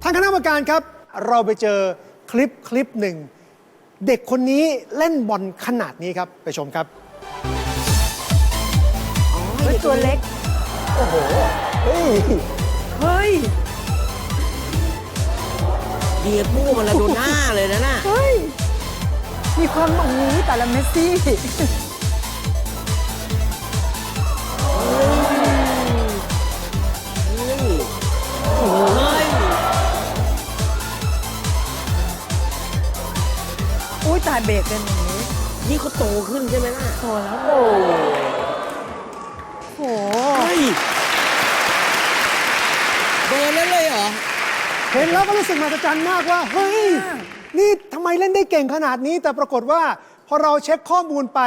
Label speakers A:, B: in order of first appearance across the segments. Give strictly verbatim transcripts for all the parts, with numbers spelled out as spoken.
A: ทางคณะกรรมการครับเราไปเจอคลิปคลิปหนึ่งเด็กคนนี้เล่นบอลขนาดนี้ครับไปชมครับ
B: เฮ้ยตัวเล็ก
A: โอ้โหเฮ้ย
B: เฮ้ย
C: เดียบูมาลาโดน่าเลยนะน่ะ
B: เฮ้ย มีความโอ้โหแต่ละเมสซี่
C: โอ้ย
B: อุ้ยตายเบรกเป็นอย่างนี้
C: นี่เขาโตขึ้นใช่ไหมล่ะ
B: โตแล้วโอ้โห
C: เฮ้ยเบอร์นั้นเลยเหรอ
A: เห็นแล้วก็รู้สึกมหัศจรรย์มากว่าเฮ้ยนี่ทำไมเล่นได้เก่งขนาดนี้แต่ปรากฏว่าพอเราเช็คข้อมูลไป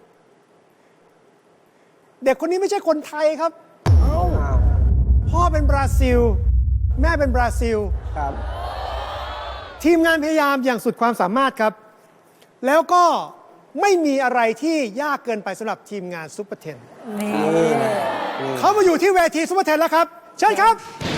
A: เด็กคนนี้ไม่ใช่คนไทยครับพ่อเป็นบราซิล แม่เป็นบราซิล
D: ครับ
A: ทีมงานพยายามอย่างสุดความสามารถครับ แล้วก็ไม่มีอะไรที่ยากเกินไปสำหรับทีมงานซุปเปอร์เทน
B: นี่
A: เขามาอยู่ที่เวทีซุปเปอร์เทนแล้วครับเชิญครับ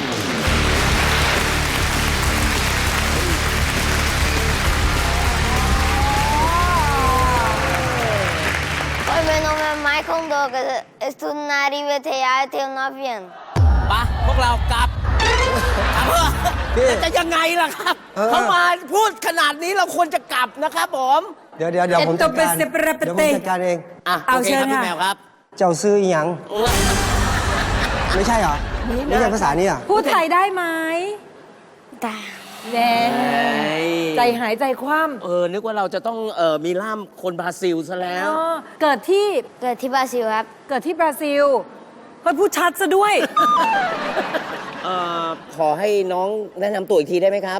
E: Oi, meu nome é Michael Douglas, eu estudo na área I V T A e tenho nove anos.
C: ปะพวกเรากลับกลับเถอะจะยังไงล่ะครับ
D: เออ
C: เขามาพูดขนาดนี้เราควรจะกลับนะครับผม
D: เดี๋ยวเดี๋ยวเดี๋ยวผมจัดการ
B: เอ็ดโตเปเซเปเรเปเต
D: เดี๋ยวผมจัดการเอง
C: อ่ะ
B: เอา
C: โอเค
B: เชิญ
C: ครับพี่
B: ค่ะ
C: แมวครับ
D: เจ้าซื้ออีหยัง ไม่ใช่เหรอ ไม่ใช่ภาษานี้เหรอ
B: พูดไทยได้ไหม
E: Tá.
B: แน่ใจหายใจคว่
C: เออ นึกว่าเราจะต้องเออมีล่ามคนบราซิลซะแล้
B: ำ
C: ว
B: อ๋อเกิดที่
E: เกิดที่บราซิลครับ
B: เกิดที่บราซิลเฮ้ยพูดชัดซะด้วย
C: เอ่อ ขอให้น้องแนะนำตัวอีกทีได้ไหมครับ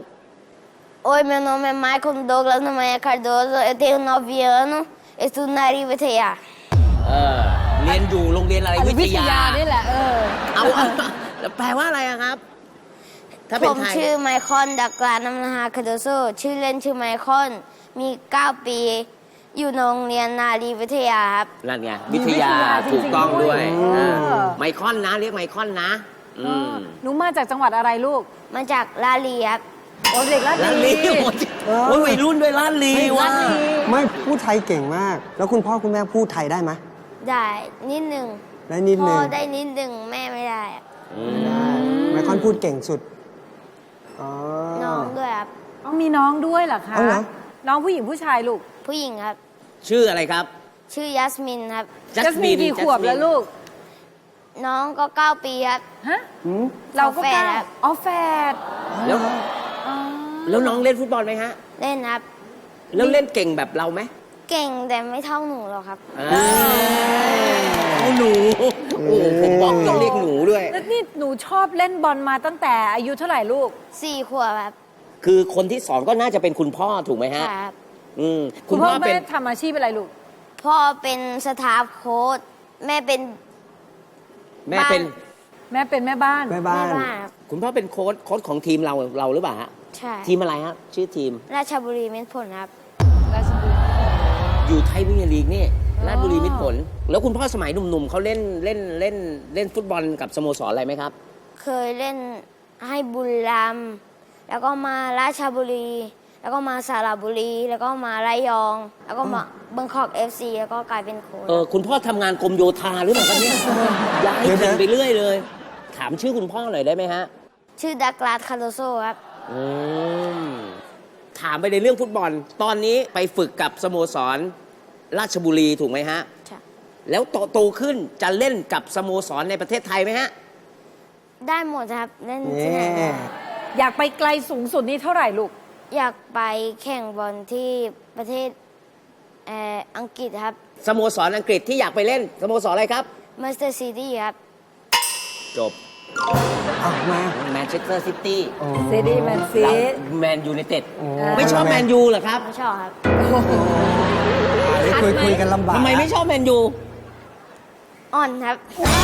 E: Oi, meu nome é Michael Douglas Nomanha Cardoso, eu tenho nove anos, eu estudo na área I V T A.
C: เออ เรียนอยู่โรงเรียนอะไรวิทยา
B: นี่แหละ เออ
C: เอาเอาแล้วแปลว่าอะไรอะครับ ถ้า
E: ผ
C: เป็น
E: ม
C: ไทย
E: ชื่อไมคอนดักลานัมนาฮาคาโดโซชื่อเล่นชื่อไมคอน มีเก้าปี อยู่โรงเรียนนารีวิทยาครับ
C: นั่นไง
B: มี
C: วิทยา
B: วิทยาจริงๆ
C: ถูกต้องด้วย
B: ด้วย
C: อ่า
B: เออ
C: ไมคอนนะ เรียกไมคอนนะ อืม
B: หนูมาจากจังหวัดอะไรลูก
E: มาจากลาลีครับ
B: โอ้เด็กลาด
C: ลาด
B: ลี
C: ลีโอ้ยวัยรุ่นด้วยลาดลี
B: ลา
C: ว่ะ
B: ดลี
D: ไม่พูดไทยเก่งมาก แล้วคุณพ่อคุณแม่พูดไทยได้ไหม
E: ได้นิดหนึ่ง
D: ได้นิด
E: พ่
D: นึ
E: อง ได้นิดหนึ่งแม่ไม่ได้อะ
D: ไมคอนพูดเก่งสุด อ๋อ
E: น้องด้วยครับ
B: อ๋อมีน้องด้วยเหรอคะ
D: เอาเหรอ
B: น้องผู้หญิงผู้ชายลูก
E: ผู้หญิงครับ
C: ชื่ออะไรครับ
E: ชื่อยัสมินครับ
B: จัสมินกี่ขวบแล้วลูก
E: น้องก็เก้าปีครับ
B: ฮะ
D: หืม
B: เราก็
E: แฝด
B: เก้า
E: ครับ
B: อ๋อแฝด
C: แล้ว
B: อ๋อ
C: แล้วน้องเล่นฟุตบอลไหมฮะ
E: เล่นครับ
C: แล้วเล่นเก่งแบบเราไหม
E: เก่งแต่ไม่เท่าหนูหรอกครับ
C: อ่าเอาหนู โอ้โหผมบอกต้องเรียกหนูด้วย
B: แล้วนี่หนูชอบเล่นบอลมาตั้งแต่อายุเท่าไหร่ลูก
E: สี่ขวบครับ
C: คือคนที่สอนก็น่าจะเป็นคุณพ่อถูกไหมฮะ
E: ครับ
C: อืม
B: คุณพ่อ
C: เป็
B: แม่
C: น
B: ทำอาชีพอะไรลูก
E: พ่อเป็นสตาฟโค้ชแม่เป็น
C: แม่เป็น
B: แม่เป็นแม่บ้าน
D: แม่
E: แม่
D: บ้าน
E: บ้านครับ
C: คุณพ่อเป็นโค้ชโค้ชของทีมเราเราหรือเปล่าฮะ
E: ใช่
C: ทีมอะไรฮะชื่อทีม
E: ราชบุรีเม็ดผลครับ
B: ราชบุรี
C: อยู่ไทยพรีเมียร์ลีกนี่
B: อ๋อ
C: ราชบุรีมิตรผล แล้วคุณพ่อสมัยหนุ่มๆเขาเล่นเล่นเล่นเล่นฟุตบอลกับสโมสรอะไรไหมครับ
E: เคยเล่นให้บุรีรัมย์แล้วก็มาราชบุรี แล้วก็มาสระบุรี แล้วก็มาระยอง แล้วก็มาเบงคอกเอฟซีแล้วก็กลายเป็นโค้ช
C: เออคุณพ่อทำงานกรมโยธาหรือเปล่าครับเนี่ยย้ายทีมไปเรื่อยเลย ถามชื่อคุณพ่อหน่อยได้ไหมฮะ
E: ชื่อดักลาสคาโดโซครับ
C: อืมถามไปในเรื่องฟุตบอล ตอนนี้ไปฝึกกับสโมสรราชบุรีถูกไหมฮะ
E: ใช่
C: แล้วโตโตขึ้นจะเล่นกับสโมสรในประเทศไทยไหมฮะ
E: ได้หมดครับ เล่นที่ไหน
D: เย้
E: ก็ได้
B: อยากไปไกลสูงสุดนี่เท่าไหร่ลูก
E: อยากไปแข่งบอลที่ประเทศเอ่ออังกฤษครับ
C: สโมสรอังกฤษที่อยากไปเล่นสโมสรอะไรครับ
E: มาสเตอร์ซิตี้ครับ
C: จบ
D: อ้าวมา
C: แมนเชสเตอร์ซิตี้
D: โอ้
B: ซีดีแมนซี
C: แมนยูไนเต็ด
D: โอ้
C: ไม่ชอบแมนยูเหรอครับ
E: ไม่ชอบครับ
D: อันนี้คุยคุยกันลำบาก
C: ทำไมไม่ชอบแมนยู
E: อ่อนครับ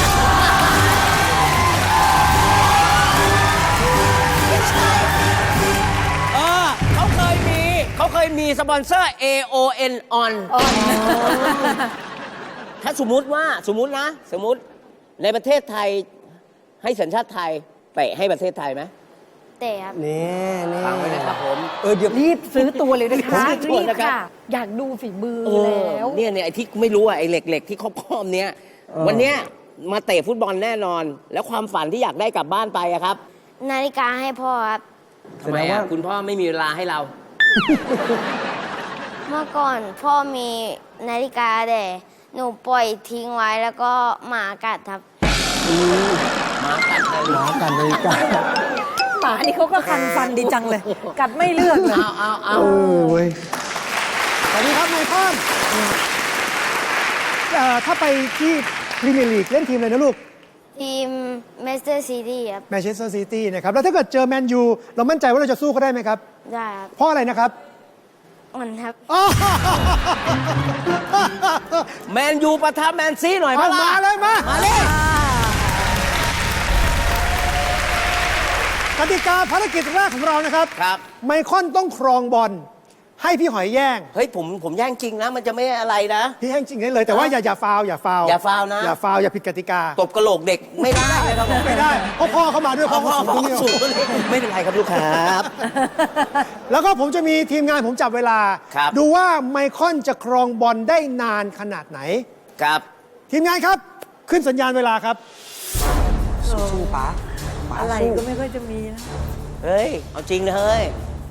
C: เออเขาเคยมีเขาเคยมีสปอนเซอร์ เอ โอ เอ็น on ถ้าสมมุติว่าสมมุตินะ สมมุติในประเทศไทยให้สัญชาติไทยเตะให้ประเทศไทยไหม
E: เตะครับ
D: นี่นี่
C: ฟังไว้นะครับผม
D: เออเดี๋ยว
B: รีบซื้อตัวเลยนะคะ
C: รีบซื้อตัวนะครับ
B: ค่ะ อยากดูฝีมือ
C: เออ
B: แล้ว
C: เนี่ยเนี่ยไอ้ที่ไม่รู้อะไอ้เหล็กๆที่ครอบๆเนี้ยวันเนี้ยมาเตะฟุตบอลแน่นอน แล้วความฝันที่อยากได้กลับบ้านไปอะครับ
E: นาฬิกาให้พ่อครับ
C: ทำไมอะคุณพ่อไม่มีเวลาให้เรา
E: เมื่อก่อนพ่อมีนาฬิกาแต่หนูปล่อยทิ้งไว้แล้วก็หมากัดครับ
C: หมากัดเลย
D: หมากันเลยกัน
B: หมานี่เขาก็คันฟันดีจังเลย กัดไม่เลือกเลย
C: เอาเอาเอา
D: เออเว้ย
A: สวัสดีครับไมคอนเอ่อถ้าไปที่พรีเมียร์ลีกเล่นทีมอะไรนะลูก
E: ทีมเมสเตอร์ซีตี้ครับ
A: แมนเชสเตอร์ซิตี้นะครับ แล้วถ้าเกิดเจอแมนยูเรามั่นใจว่าเราจะสู้เขาได้ไหมครับ
E: ได้ครับ
A: เพราะอะไรนะครับ
E: อ่อนครับ
A: อ้าว
C: แมนยูปะทะแมนซีหน่อย
A: เอา
C: ปะล่ะ
A: มาเลยมา
C: มาเลย
A: กติกาภารกิจแรกของเรานะครับ
C: ครับ
A: ไมคอนต้องครองบอลให้พี่หอยแย่ง
C: เฮ้ยผมผมแย่งจริงนะ มันจะไม่อะไรนะ
A: พี่แย่งจริงได้เลยแต่ว่าอย่าอย่าฟาวอย่าฟาว
C: อย่าฟาวนะ
A: อย่าฟาวอย่าผิดกติกา
C: ตบกระโหลกเด็กไม่ได้เลยครับผม
A: ไม่ได้เพราะพ่อเขามาด้วย
C: พ่อ
A: พ่อ
C: พ่อ
A: เขา
C: พ่อ
A: สูงตรงนี้
C: สูงเลยไม่เป็นไรครับลูกครับ
A: แล้วก็ผมจะมีทีมงานผมจับเวลา
C: ครับ
A: ดูว่าไมคอนจะครองบอลได้นานขนาดไหน
C: ครับ
A: ทีมงานครับ ขึ้นสัญญาณเวลาครับ
D: สู้ป๋าป๋า
B: อะไร
D: สู้
B: ก็ไม่ค่อยจะมีนะ
C: เฮ้ย เอาจริงนะเฮ้ย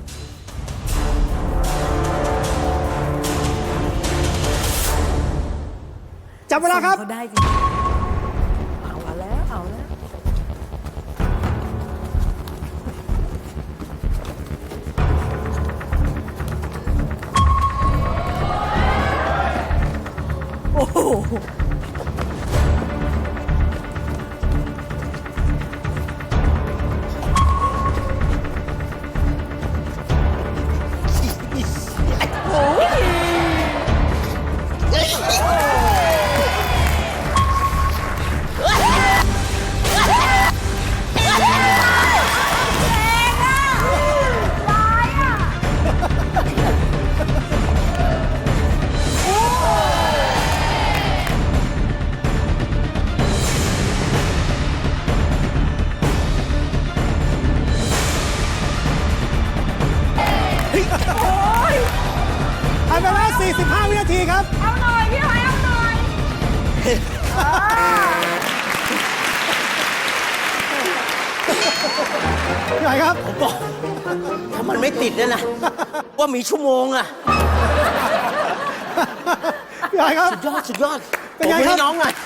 A: จับเวลาครับ
B: เขาได้จริงเอาแล้ว เอาแล้ว โอ้โห
A: ผ่านไปแล้วสี่สิบห้า วินาทีครับ
E: เอาหน่อยพี่หอยเอาหน่อย
A: พี่หอยครับ
C: ผมบอก ถ้ามันไม่ติดเนี่ยนะ ว่ามีชั่วโมงอะ
A: พี่หอยครับ
C: สุดยอด สุดยอด
A: เป็นไง
C: ผม
A: ครับ
C: ให้น้องหน่อย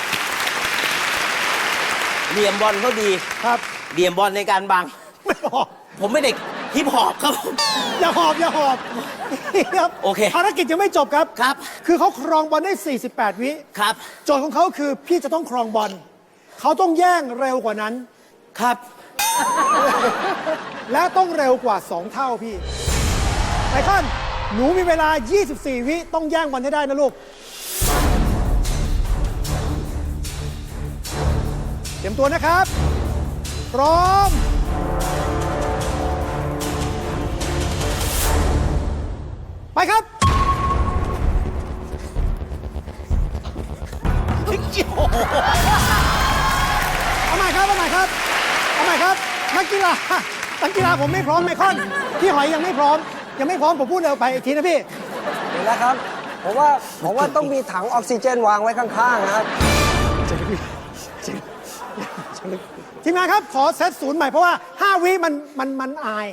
C: เหลี่ยมบอลเขาดี
A: ครับ
C: เหลี่ยมบอลในการบัง
A: ไม่ออก
C: ผมไม่เด็กฮิปฮอปครับผม
A: อย่าหอบอย่าหอบครับ
C: โอเค
A: ภารกิจยังไม่จบครับ
C: ครับ
A: คือเขาครองบอลได้ สี่สิบแปด วิ
C: ครับ
A: โจทย์ของเขาคือพี่จะต้องครองบอลเขาต้องแย่งเร็วกว่านั้น
C: ครับ
A: และต้องเร็วกว่า สอง เท่าพี่ไมคอนหนูมีเวลา ยี่สิบสี่ วิต้องแย่งบอลให้ได้นะลูก เตรียมตัวนะครับ พร้อม ไปครับ เอาใหม่ครับ เอาใหม่ครับ เอาใหม่ครับ นักกีฬา นักกีฬาผมไม่พร้อมไมคอน พี่หอยยังไม่พร้อม ยังไม่พร้อม ผมพูดเร็วไปอีกทีนะพี่
D: เห็นแล้วครับผมว่าผมว่าต้องมีถังออกซิเจนวางไว้ข้างๆนะครับ
A: ทีมงานครับ ขอเซตศูนย์ใหม่เพราะว่า ห้า วิมันมันมันอาย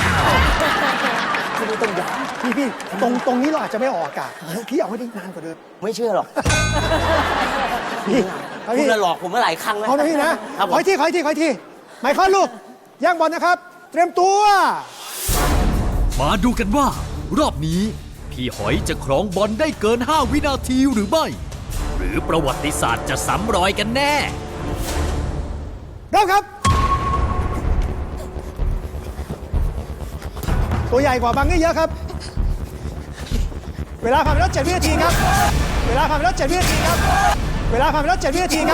A: พี่ต้องย้ำพี่พี่ตรงตรงนี้เราอาจจะไม่ออกอากาศพี่เอาให้ได้นานกว่าเดิม
C: ไม่เชื่อหรอก
A: พี่เอา
C: คุ
A: พี่
C: ณน่ะหลอกผมมาหลายครั้งแล้ว
A: เอานะพี่นะครับ
C: ผ
A: ขอ
C: ม
A: อีกทีขออีกทีขออีกทีไมค์คอนลูกแย่งบอลนะครับ เตรียมตัว
F: มาดูกันว่า รอบนี้ พี่หอยจะครองบอลได้เกิน ห้า วินาทีหรือไม่ หรือประวัติศาสตร์จะซ้ำรอยกันแน่
A: เริ่มครับ ตัวใหญ่กว่าบังนี่เยอะครับ เวลาผ่านไปแล้วเจ็ดวินาทีครับ เวลาผ่านไปแล้วเจ็ดวินาทีครับ เวลาผ่านไปแล้วเจ็ดวินาทีครับ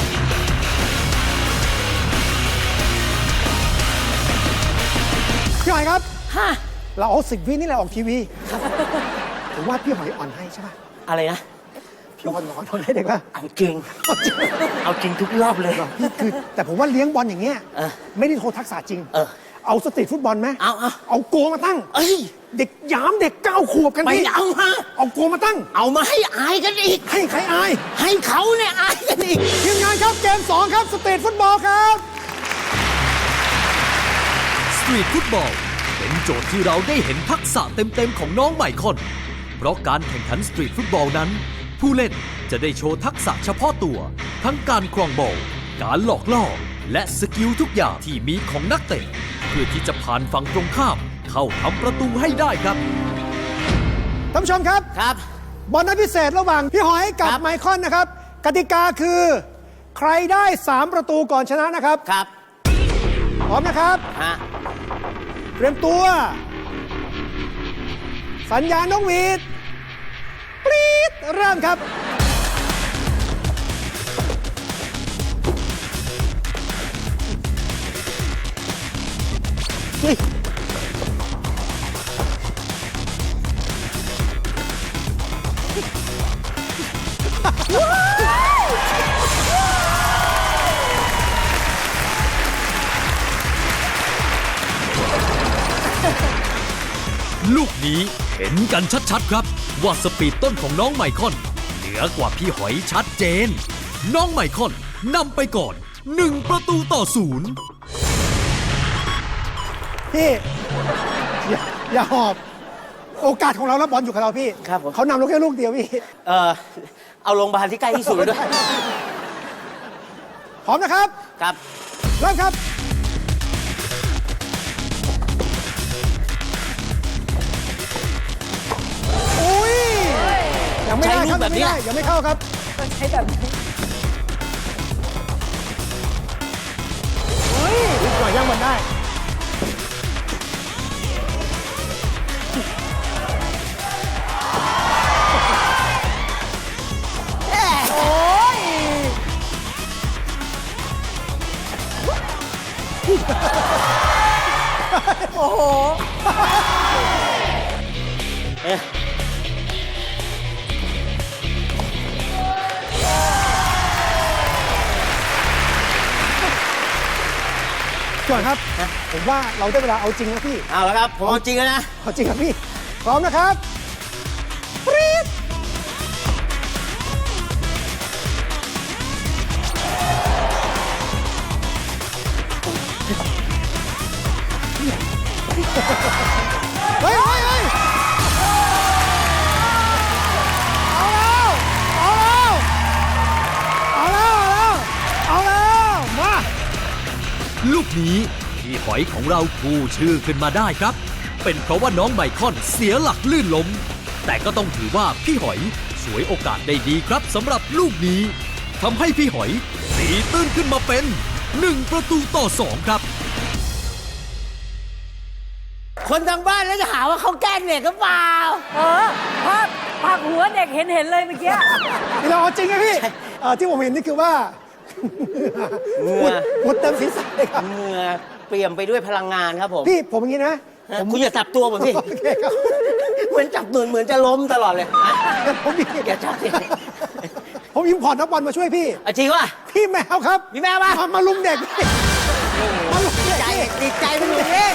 A: พี่ห
C: ฮะ
A: เราเอาสิบวินี่แหละออกทีวีผมว่าพี่หอยอ่อนให้ใช่ป่ะ
C: อะไรนะ
A: พี่อ่อนอ่อนให้เด็กป่ะ
C: เอาจริง เอาจริงทุกรอบเลย
A: พี่คือแต่ผมว่าเลี้ยงบอลอย่างเงี้ย
C: เออ
A: ไม่ได้โทรทักษะจริง
C: เออ
A: เอาสตรีทฟุตบอลไหม
C: เอาเอา
A: เอาโกมาตั้ง
C: เอ้ย
A: เด็กหยามเด็กเก้าขวบกัน
C: ไม่
A: พี่
C: เอาฮะ
A: เอาโกมาตั้ง
C: เอามาให้อายกันอีก
A: ให้ใครอาย
C: ให้เขาเนี่ยอายกันอีก
A: ทีมงานครับเกมสองครับสตรีทฟุตบอลครับ
F: สตรีทฟุตบอลเป็นโจทย์ที่เราได้เห็นทักษะเต็มๆของน้องไมคอน เพราะการแข่งขันสตรีทฟุตบอลนั้น ผู้เล่นจะได้โชว์ทักษะเฉพาะตัว ทั้งการครองบอล การหลอกล่อ และสกิลทุกอย่างที่มีของนักเตะเพื่อที่จะผ่านฝั่งตรงข้าม เข้าทำประตูให้ได้ครับ
A: ท่านผู้ชมครับ
C: ครับ
A: บอลนัดพิเศษระหว่างพี่หอยกับ
C: ครับ
A: ไมคอนนะครับ กติกาคือ ใครได้สามประตูก่อนชนะนะครับ
C: ครับ
A: พร้อมนะครับ
C: ฮะ
A: เตรียมตัว สัญญาณนกหวีดปรี๊ดเริ่มครับ เฮ้ย
F: ลูกนี้เห็นกันชัดๆครับ ว่าสปีดต้นของน้องไมคอนเหนือกว่าพี่หอยชัดเจน น้องไมคอนนำไปก่อนหนึ่งประตูต่อศูนย์
A: พี่อย่าอย่าหอบ โอกาสของเราแล้วบอลอยู่กับเราพี่
C: ครับผม
A: เขานำเราแค่ลูกเดียวพี่
C: เออเอาโรงพยาบาลที่ใกล้ที่สุดด้วย
A: พร้อมนะครับ
C: ครับ
A: เริ่มครับ อุ้ย ยังไม่ได้ครับ
C: ใช้ลูกแบบ
A: ยังไม่
C: เนี้ย
A: ได้ยังไม่เข้าครับ
B: ก็ใช้แบบนี้
A: ลูกหน่อยยังมันได้
B: โอ้ย โอ้โห
C: เอ๊ะ
A: ก่อนครับ ผมว่าเราได้เวลาเอาจริงนะพี่
C: เอาแล้วครับ ผมเอาจริงแล้วนะ
A: เอาจริงครับพี่ พร้อมนะครับปรี๊ดเฮ้ยเฮ้ยเฮ้ยเอาแล้ว เอาแล้ว เอาแล้ว เอาแล้ว มา
F: ลูกนี้พี่หอยของเราพูชื่อขึ้นมาได้ครับ เป็นเพราะว่าน้องไมคอนเสียหลักลื่นล้ม แต่ก็ต้องถือว่าพี่หอยฉวยโอกาสได้ดีครับสำหรับลูกนี้ทำให้พี่หอยตีตื้นขึ้นมาเป็นหนึ่งประตูต่อสองครับ
C: คนทางบ้านแล้วจะหาว่าเขาแกล้งเด็กหรือเปล่า
B: เออภาพภาพหัวเด็กเห็นเห็นเลยเมื่อกี้
A: นี่เราเอาจริงนะพี่เอ่อที่ผมเห็นนี่คือว่า
C: เหงื่
A: หม
C: อ
A: ดหมดเต็มศีรษะเลยครับ
C: เหงื่อเปี่ยมไปด้วยพลังงานครับผม
A: พี่ผมอย่างนี้นะ ผม
C: คุณอย่าจับตัวผมสิ
A: โอเคครับ
C: เหมือนจับมือเหมือนจะล้มตลอดเลยอ่ะ
A: ผมมี
C: อย่าจับสิ
A: ผมอิมพอร์ตนักบอลมาช่วยพี่
C: อ่ะจริงว่ะ
A: พี่แมวครับ
C: พี่แมวมา
A: มาลุมเด็กพี่มาลุม
C: ดี
A: เด็ก
C: ใจ
A: พี่
C: ดีใจมันอยู่เอง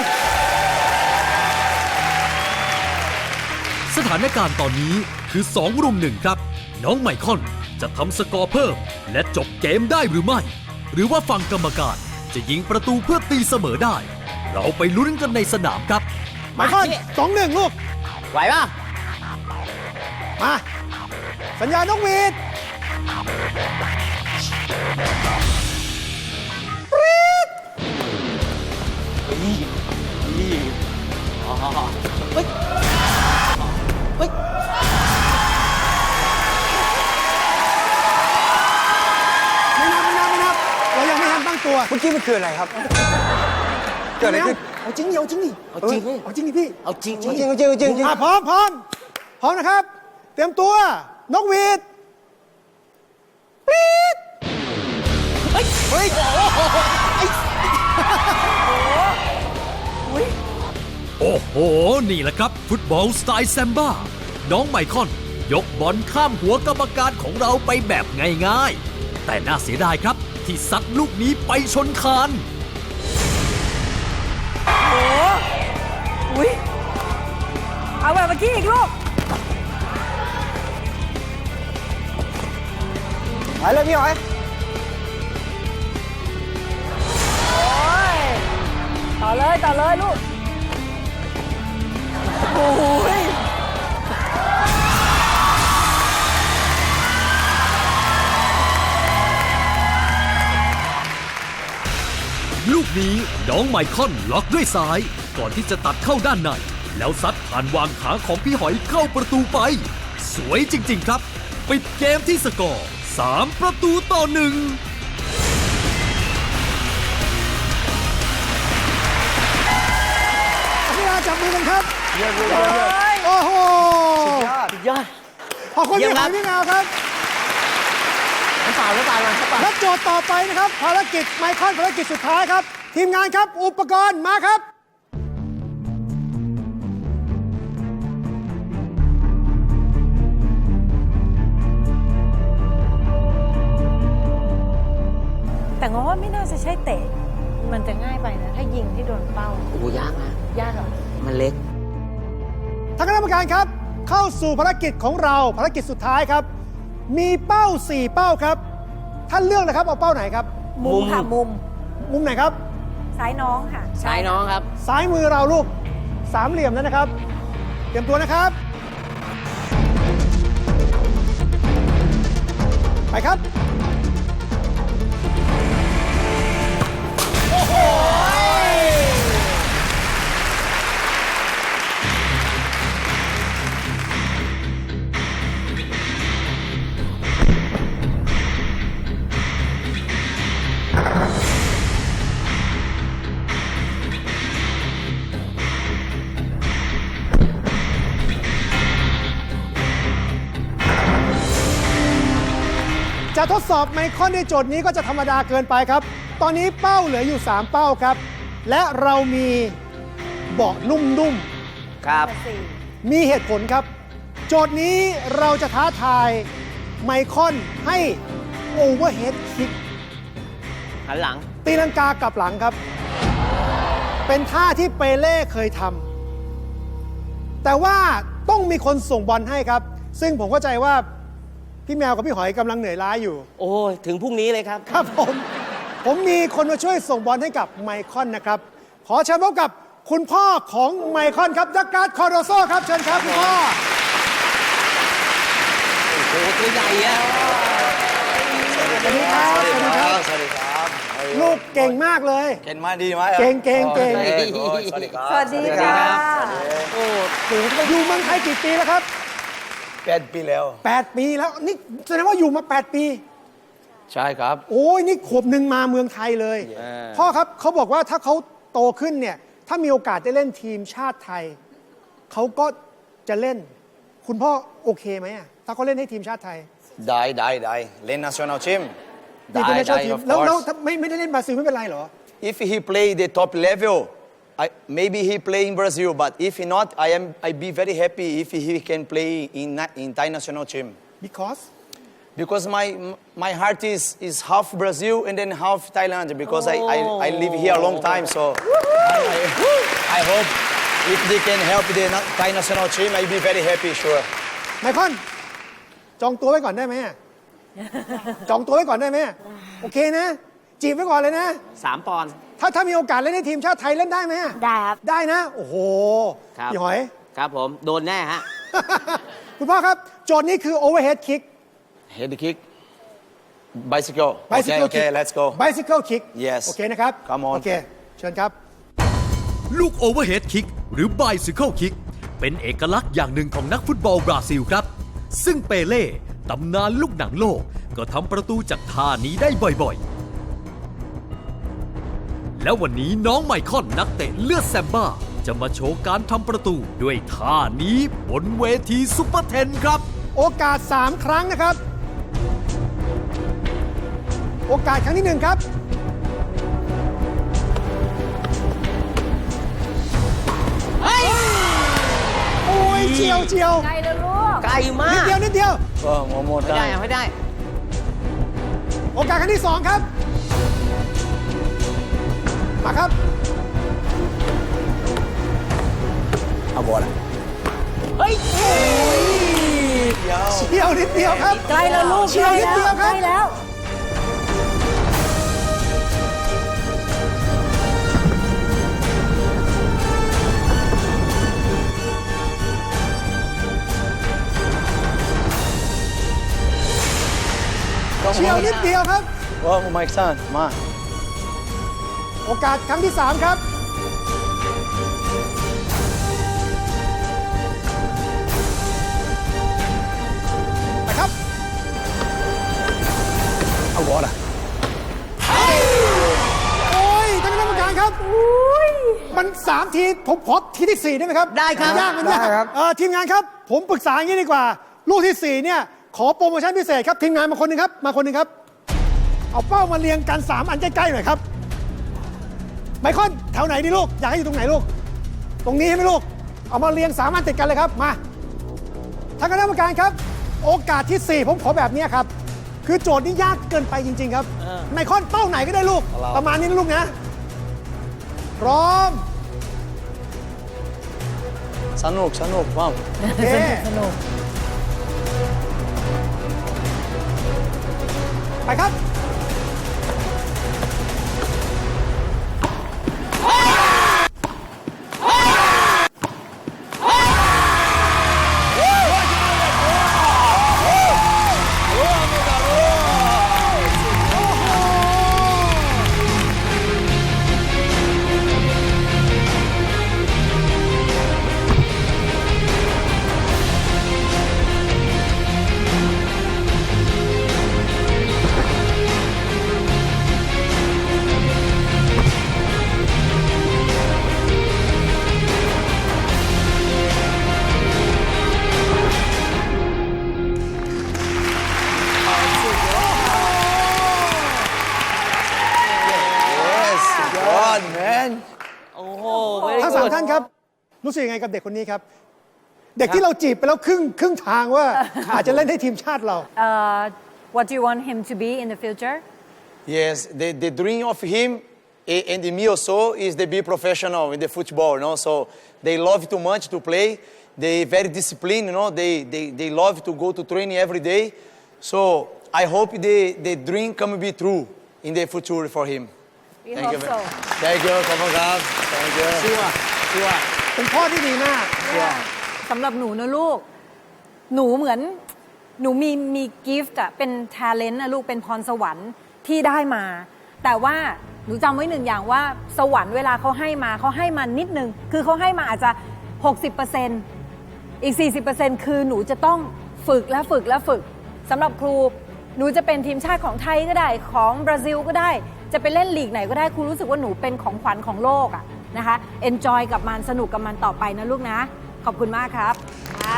F: สถานการณ์ตอนนี้คือสองรุมหนึ่งครับ น้องไมคอนจะทำสกอร์เพิ่ม และจบเกมได้หรือไม่ หรือว่าฝั่งกรรมการจะยิงประตูเพื่อตีเสมอได้ เราไปลุ้นกันในสนามครับ
A: ไมคอนสองหนึ่งลูก
C: ไหวป่ะ
A: มา สัญญาณนกหวีดปรี๊ด
C: อ๋อเฮ้ยเฮ้ย
A: ไม่นับไม่นับไม่นับเรายังไม่ทันตั้งตัว
D: เมื่อกี้มันคืออะไรครับ เกิดอะไรขึ้น
A: เอาจริงดิเอาจริงดิ
C: เอาจริงดิ
A: เอาจริงดิพี่
C: เอาจริง
D: จริงจริงจริงจริงจริง
A: อ่ะพร้อมพร้อมพร้อมนะครับ เตรียมตัว นกหวีดปรี๊ด
C: เฮ้ยเฮ้ยโอ้โหไอ้
D: โอ้
F: โอ้โห นี่แหละครับ ฟุตบอลสไตล์แซมบ้า น้องไมคอน ยกบอลข้ามหัวกรรมการของเราไปแบบง่ายๆ แต่น่าเสียดายครับ ที่ซัดลูกนี้ไปชนคาน
B: อุ้ยเอาแบบเมื่อกี้อีกลูก
D: ไปเลยพี่หอย
B: โอ้ย ต่อเลยต่อเลยลูก โอ้ย
F: ลูกนี้น้องไมคอนล็อกด้วยซ้าย ก่อนที่จะตัดเข้าด้านใน แล้วซัดผ่านวางขาของพี่หอยเข้าประตูไป สวยจริงๆครับ ปิดเกมที่สกอร์สามประตูต่อหนึ่ง
A: พี่อาจับมือกันครับ
D: เยี่ยมเยี่ยมเยี่ยมเยี่ยม
A: โอ้โห
D: ยอด
C: ยอด
A: ขอบคุณ
C: เยี่
A: พี่
C: ยม
A: ห
C: ครั
A: อบ ยพี่แมวครับ
D: น้ำเปล่าน้ำเปล่ามาน้ำเปล่า
A: และโจทย์ต่อไปนะครับ ภารกิจไมคอนภารกิจสุดท้ายครับ ทีมงานครับ อุปกรณ์มาครับ
B: แต่ง้อว่าไม่น่าจะใช่เตะ มันจะง่ายไปนะ ถ้ายิงที่โดนเป้า
C: โอ้โหยากนะ
B: ยากเหรอ
C: มันเล็ก
A: ทางคณะกรรมการครับ เข้าสู่ภารกิจของเราภารกิจสุดท้ายครับ มีเป้า สี่ เป้าครับ ท่านเลือกนะครับเอาเป้าไหนครับ
B: มุมค่ะ มุม
A: มุมไหนครับ
B: ซ้ายน้องค่ะ
C: ซ้ายน้องครับ
A: ซ้ายมือเราลูกสามเหลี่ยมนั้นนะครับ เตรียมตัวนะครับ ไปครับ โอ้โห จะทดสอบไมคอนในโจทย์นี้ก็จะธรรมดาเกินไปครับ ตอนนี้เป้าเหลืออยู่ สาม เป้าครับ และเรามีเบาะนุ่ม
C: ครับ
A: ๆ มีเหตุผลครับ โจทย์นี้เราจะท้าทายไมคอนให้โอเวอร์เฮดคิก
C: หันหลัง
A: ตีลังกากลับหลังครับ เป็นท่าที่เปเล่เคยทำ แต่ว่าต้องมีคนส่งบอลให้ครับ ซึ่งผมเข้าใจว่าพี่แมวกับพี่หอยกำลังเหนื่อยล้าอยู่
C: โอ้ยถึงพรุ่งนี้เลยครับ
A: ครับผม ผมมีคนมาช่วยส่งบอลให้กับไมคอนนะครับ ขอเชิญพบกับคุณพ่อของไมคอนครับดักการ์ดคอร์โดโซครับ เชิญครับคุณพ่อ
C: โอ้โหตัวใหญ่อะ
A: สวัสดีครับ สวัสดีครับ
G: สวัสดีครับ
A: ลูกเก่งมากเลย
G: เก่งมากดีไหม
A: เก่งเก่งเก่ง
G: โอ้ยสวัสดีครับ
B: สวัสดีค่ะ
A: โอ้โหอยู่เมืองไทยกี่ปีแล้วครับ
G: แปดปีแล้ว
A: แปด ปีแล้ว นี่แสดงว่าอยู่มา แปด ปี
G: ใช่ครับ
A: โอ้ยนี่ขวบหนึ่งมาเมืองไทยเลย พ่อครับเขาบอกว่าถ้าเขาโตขึ้นเนี่ย ถ้ามีโอกาสได้เล่นทีมชาติไทย เขาก็จะเล่น คุณพ่อโอเคไหมอะถ้าเขาเล่นให้ทีมชาติไทย
G: ได้ได้ได้เล่น national team
A: ดี
G: ได้
A: เป็นนัก
G: ได้
A: ทีม
G: of
A: แล้วแล้ว
G: course
A: ถ้าไม่ไม่ได้เล่นบราซิลไม่เป็นไรเหรอ
G: if he play the top level I, maybe he play in Brazil but if he not I am I be very happy if he can play in na- in Thai national team
A: because
G: because my my heart is is half Brazil and then half Thailand because I, I I live here a long time so I, I, I hope if they can help the na- Thai national team I be very happy sure
A: ไมคอนจองตัวไว้ก่อนได้ไหมอะจองตัวไว้ก่อนได้ไหมอะโอเคนะ จีบไว้ก่อนเลยนะ
C: สามปอนด์
A: ถ้าถ้ามีโอกาสเล่นในทีมชาติไทยเล่นได้ไหมอะ
E: ได้ครับ
A: ได้นะ โอ้โห
C: ครับ
A: พี่หอย
C: ครับผม โดนแน่ฮะ
A: คุณพ่อครับ โจทย์นี้คือ overhead kick
G: head kick bicycle
A: bicycle
G: okay okay
A: kick
G: let's go
A: bicycle kick
G: Yes
A: โอเคนะครับ
G: Come on
A: โอเค เชิญครับ
F: ลูกโอเวอร์เฮดคิกหรือ Bicycle Kick เป็นเอกลักษณ์อย่างหนึ่งของนักฟุตบอลบราซิลครับ ซึ่งเปเล่ตำนานลูกหนังโลก ก็ทำประตูจากท่านี้ได้บ่อยๆ แล้ววันนี้น้องไมคอนนักเตะเลือดแซมบ้า จะมาโชว์การทำประตูด้วยท่านี้บนเวทีซุปเปอร์เทนครับ
A: โอกาส สาม ครั้งนะครับ โอกาสครั้งที่หนึ่งครับ
C: เฮ้ย
A: เชียวเชียว
B: ไกลแล้วลูก
C: ไกลมา
A: นิด
C: ก
A: เดียวนิดเดียว
G: Oh, one more
C: ไม่ได้
G: time.
C: อะไม่ได้
A: โอกาสครั้งที่สองครับ มาครับ
G: Agora.
C: เฮ้ย
A: เชียวนิดเดียวครับ
B: ไกลแล้วลูก
A: เชียวนิดเดียวครับ
B: ใกล้แล้ว
A: เชียวนิดเดียวครับ
G: Oh, my son, ma.
A: โอกาสครั้งที่สามครับ ไปครับ
G: Agora.
A: โอ้ยท่านคณะกรรมการครับมันสามทีผมขอทีที่สี่ได้ไหมครับ
C: ได้ครับ
A: มันยากมันยาก
D: ได้ครับ
A: เอ่อทีมงานครับ ผมปรึกษาอย่างนี้ดีกว่า ลูกที่สี่เนี่ยขอโปรโมชั่นพิเศษครับ ทีมงานมาคนหนึ่งครับ มาคนหนึ่งครับ เอาเป้ามาเรียงกันสามอันใกล้ๆหน่อยครับไมคอนแถวไหนดีลูก อยากให้อยู่ตรงไหนลูก ตรงนี้ใช่ไหมลูก เอามาเรียงสามอันติดกันเลยครับ มาท่านคณะกรรมการครับ โอกาสที่สี่ผมขอแบบนี้ครับ คือโจทย์นี้ยากเกินไปจริง ๆ ครับไมคอนเป้าไหนก็ได้ลูก ประมาณนี้นะลูกนะ พร้อม
G: Sanuk, Sanuk, vamos.
A: โอเค
B: สนุก
A: ไปครับ
G: Yes, God, man.
C: โอ้โห
A: ทั้งสามท่านครับ รู้สึกยังไงกับเด็กคนนี้ครับ เด็กที่เราจีบไปแล้วครึ่งครึ่งทางว่า อาจจะเล่นให้ทีมชาติเรา
B: Uh, what do you want him to be in the future?
G: Yes, the, the dream of him a- and me also is to be professional in the football, you know. So they love too much to play. They very disciplined, you know. They, they, they love to go to training every day. So I hope the, the dream can be true in the future for him.
B: We
G: Thank
B: hope
G: you.
B: so.
G: Thank you, come on, guys. Thank you.
C: ชัวร์ชัวร์
A: เป็นพ่อที่ดีมาก
B: สำหรับหนูนะลูก หนูเหมือนหนูมีมีกิฟต์อะเป็น talent นะลูกเป็นพรสวรรค์ที่ได้มา แต่ว่าหนูจำไว้หนึ่งอย่างว่าสวรรค์เวลาเขาให้มาเขาให้มานิดนึง คือเขาให้มาอาจจะ หกสิบเปอร์เซ็นต์ อีก สี่สิบเปอร์เซ็นต์ คือหนูจะต้องฝึกและฝึกและฝึกสำหรับครูหนูจะเป็นทีมชาติของไทยก็ได้ของบราซิลก็ได้ จะไปเล่นลีกไหนก็ได้ครูรู้สึกว่าหนูเป็นของขวัญของโลกอะนะคะ enjoy กับมันสนุกกับมันต่อไปนะลูกนะ ขอบคุณมากครับครับ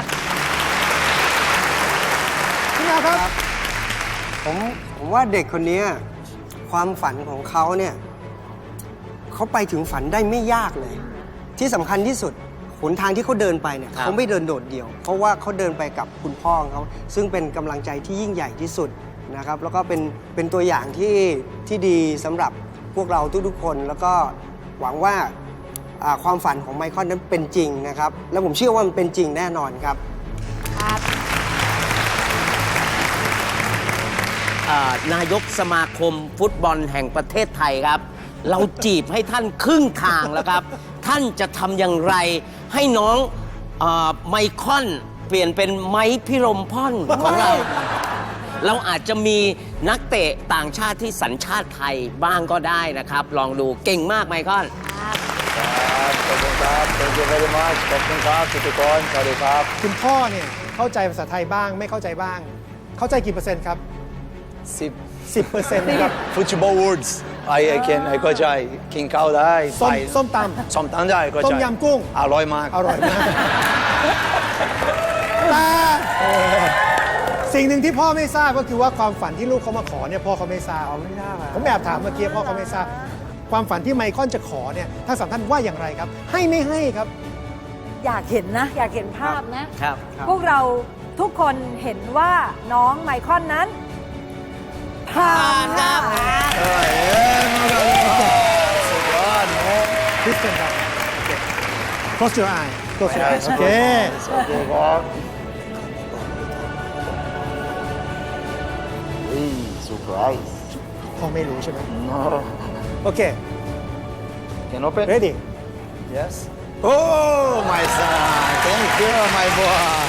A: พี่นาครับ
D: ผมผมว่าเด็กคนนี้ความฝันของเขาเนี่ยเขาไปถึงฝันได้ไม่ยากเลย ที่สำคัญที่สุดหนทางที่เขาเดินไปเนี่ย
C: ครับ
D: เขาไม่เดินโดดเดี่ยว เพราะว่าเขาเดินไปกับคุณพ่อของเขาซึ่งเป็นกำลังใจที่ยิ่งใหญ่ที่สุดนะครับแล้วก็เป็นเป็นตัวอย่างที่ที่ดีสำหรับพวกเราทุกๆคน แล้วก็หวังว่าอ่าความฝันของไมเคิลนั้นเป็นจริงนะครับแล้วผมเชื่อว่ามันเป็นจริงแน่นอนครับ
C: อ่านายกสมาคมฟุตบอลแห่งประเทศไทยครับ เราจีบให้ท่านครึ่งทางแล้วครับ ท่านจะทำอย่างไรให้น้องอาไมคอนเปลี่ยนเป็นไม้พิรมพ่อนของเรา เราอาจจะมีนักเตะต่างชาติที่สัญชาติไทยบ้างก็ได้นะครับ ลองดูเก่งมากไมคอน
G: ขอบคุณครับ Thank you very much ขอบคุณครับทุกคนสวัสดีครับ
A: คุณพ่อเนี่ยเข้าใจภาษาไทยบ้างไม่เข้าใจบ้าง เข้าใจกี่เปอร์เซ็นต์ครับ
G: สิบ
A: สิบเปอร์เซ็นต์นะครับ
G: Football words I I can ไอ้เข้าใจกินข้าวได้
A: ส้ม
G: ไป
A: ส้มตำ
G: ส้มตำได้เข้าใจ
A: ต้มยำกุ้ง
G: อร่อยมาก
A: อร่อยมากแต่สิ่งหนึ่งที่พ่อไม่ทราบก็คือว่าความฝันที่ลูกเขามาขอเนี่ยพ่อเขาไม่ทราบไม่ทราบผมแอบถามเมื่อกี้พ่อเขาไม่ทราบ ความฝันที่ไมคอนจะขอเนี่ยทั้งสามท่านว่าอย่างไรครับ ให้ไม่ให้ครับ
B: อยากเห็นนะ อยากเห็นภาพนะ
C: ครับ
B: พวกเราทุกคนเห็นว่าน้องไมคอนนั้นผ่านค่ะ
A: Kristen ครับ Close your eye Close your eyes โอเค
G: Okay, God. Hey, surprise.
A: พ่อไม่รู้ใช่ไหม
G: No.
A: โอเค
G: Can open?
A: ready
G: Yes. Oh, my son. Thank you, my boy.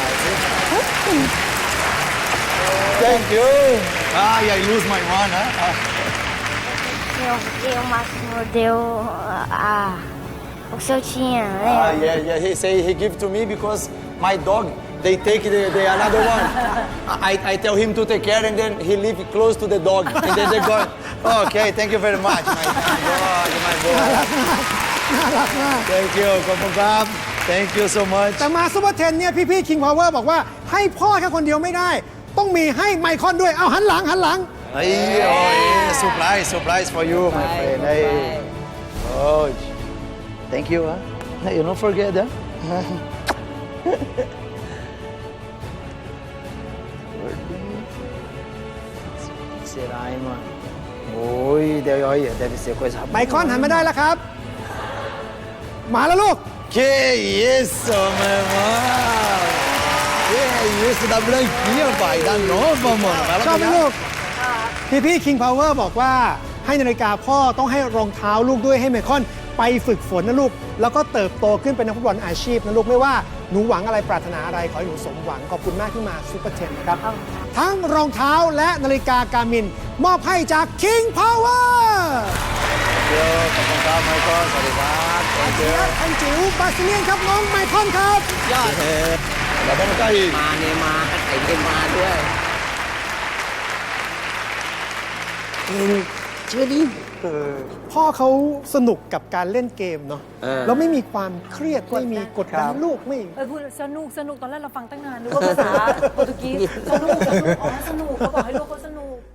G: Thank you. Ah, I lose my one, huh?
E: Eu, eu máximo deu a, o que eu tinha, né?
G: Ah, yeah, yeah. He say he give to me because my dog they take the, the another one. I, I tell him to take care and then he live close to the dog and then they go. Okay, thank you very much, my dog, my boy.
A: น่ารักมาก
G: Thank you, ขอบคุณครับ Thank you so much.
A: แต่มาซูเปอร์เทนเนี่ยพี่ๆ King Power บอกว่าให้พ่อแค่คนเดียวไม่ได้ ต้องมีให้ไมคอนด้วย เอาหันหลังหันหลัง
G: Hey, oh, yeah, surprise, surprise for you, my friend. Hey. Oh, thank you, huh? Hey, you don't forget, huh? Será, hein, mano? Oi, deve, olha, deve ser coisa
A: ไมคอนหันมาได้แล้วครับ มาแล้วลูก
G: Que isso, meu irmão! Que isso, da branquinha, pai, da nova, mano. Vai lá
A: ชอบไหม
G: pegar.
A: ลูก พี่ๆ King Power บอกว่าให้นาฬิกาพ่อต้องให้รองเท้าลูกด้วยให้ไมคอนไปฝึกฝนนะลูก แล้วก็เติบโตขึ้นเป็นนักฟุตบอลอาชีพนะลูก ไม่ว่าหนูหวังอะไรปรารถนาอะไร ขอให้หนูสมหวัง ขอบคุณมากที่มาซูเปอร์เทนนะครับ ทั้งรองเท้าและนาฬิกาการมิน มอบให้จาก King Power
G: Thank you, ขอบคุณครับ Michael สวัสดีครับ Thank you.
A: อันจิ๋วบาซิเลียนครับน้องไมคอนครับ
C: ยอด
G: La vamos cair.
C: มาเนมาไอ้เนมาด้วย
A: พ่อเขาสนุกกับการเล่นเกมเนาะ
C: เออ
A: แล้วไม่มีความเครียด ไม่มีกดดันลูกไม่
B: เออพูดสนุกสนุกตอนแรกเราฟังตั้งนานนึกว่าภาษาโปรตุเกสสนุกสนุกอ๋อสนุกเขาบอกให้ลูกเขาสนุก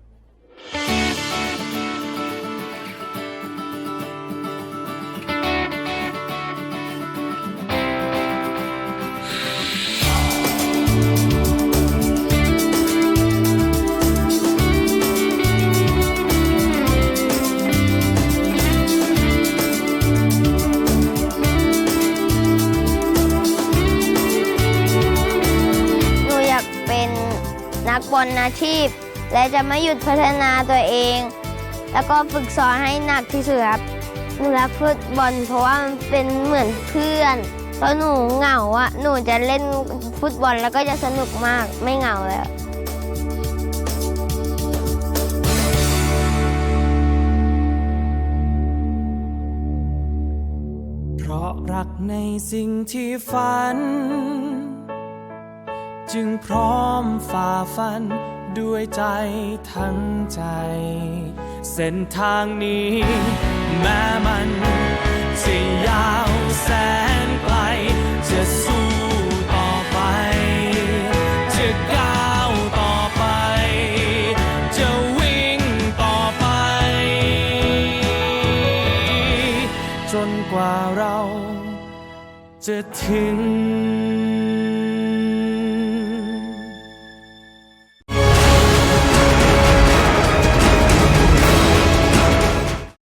E: หนูอยากเป็นนักบอลอาชีพ และจะไม่หยุดพัฒนาตัวเอง แล้วก็ฝึกซ้อมให้หนักที่สุดครับ หนูรักฟุตบอลเพราะว่ามันเป็นเหมือนเพื่อนเพราะหนูเหงาอะหนูจะเล่นฟุตบอลแล้วก็จะสนุกมากไม่เหงาแล้ว
H: เพราะรักในสิ่งที่ฝัน จึงพร้อมฝ่าฟันด้วยใจทั้งใจ เส้นทางนี้แม้มันจะยาวแสนไกล จะสู้ต่อไป จะก้าวต่อไป จะวิ่งต่อไป จนกว่าเราจะถึง